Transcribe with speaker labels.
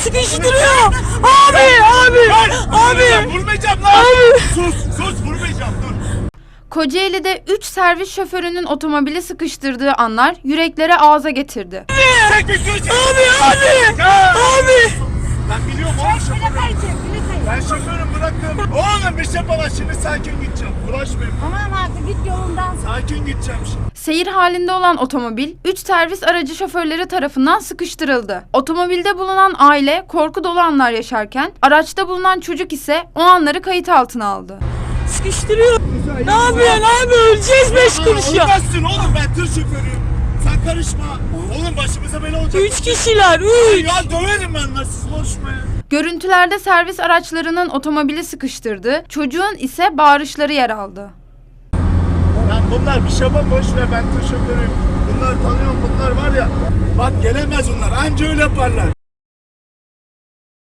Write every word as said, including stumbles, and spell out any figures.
Speaker 1: sıkıştırıyor. Abi abi abi.
Speaker 2: Vurmayacağım lan.
Speaker 1: Abi.
Speaker 2: Sus sus vurmayacağım dur.
Speaker 3: Kocaeli'de üç servis şoförünün otomobili sıkıştırdığı anlar yüreklere ağza getirdi.
Speaker 2: Çek bir dur.
Speaker 1: Abi abi. Abi.
Speaker 2: Ben biliyorum oğlum şoförüm. Ben şoförüm bırakın. Oğlum bir şey bana şimdi sakin gideceğim. Bulaşmayın.
Speaker 4: Tamam artık git yolundan.
Speaker 2: Sakin gideceğim şimdi.
Speaker 3: Seyir halinde olan otomobil üç servis aracı şoförleri tarafından sıkıştırıldı. Otomobilde bulunan aile korku dolu anlar yaşarken araçta bulunan çocuk ise o anları kayıt altına aldı.
Speaker 1: Sıkıştırıyor. Ne yapıyorsun abi? Öleceğiz beş kuruş ya.
Speaker 2: Olmazsın oğlum ben tır şoförüyüm. Sen karışma. Oğlum başımıza bela olacak.
Speaker 1: Üç kişiler. Üç.
Speaker 2: Ya döverim ben lan siz konuşma ya.
Speaker 3: Görüntülerde servis araçlarının otomobili sıkıştırdığı, çocuğun ise bağırışları yer aldı.
Speaker 2: Lan bunlar bir şey yapma boş ver ben tır şoförüyüm. Bunlar tanıyorum bunlar var ya. Bak gelemez bunlar anca öyle yaparlar.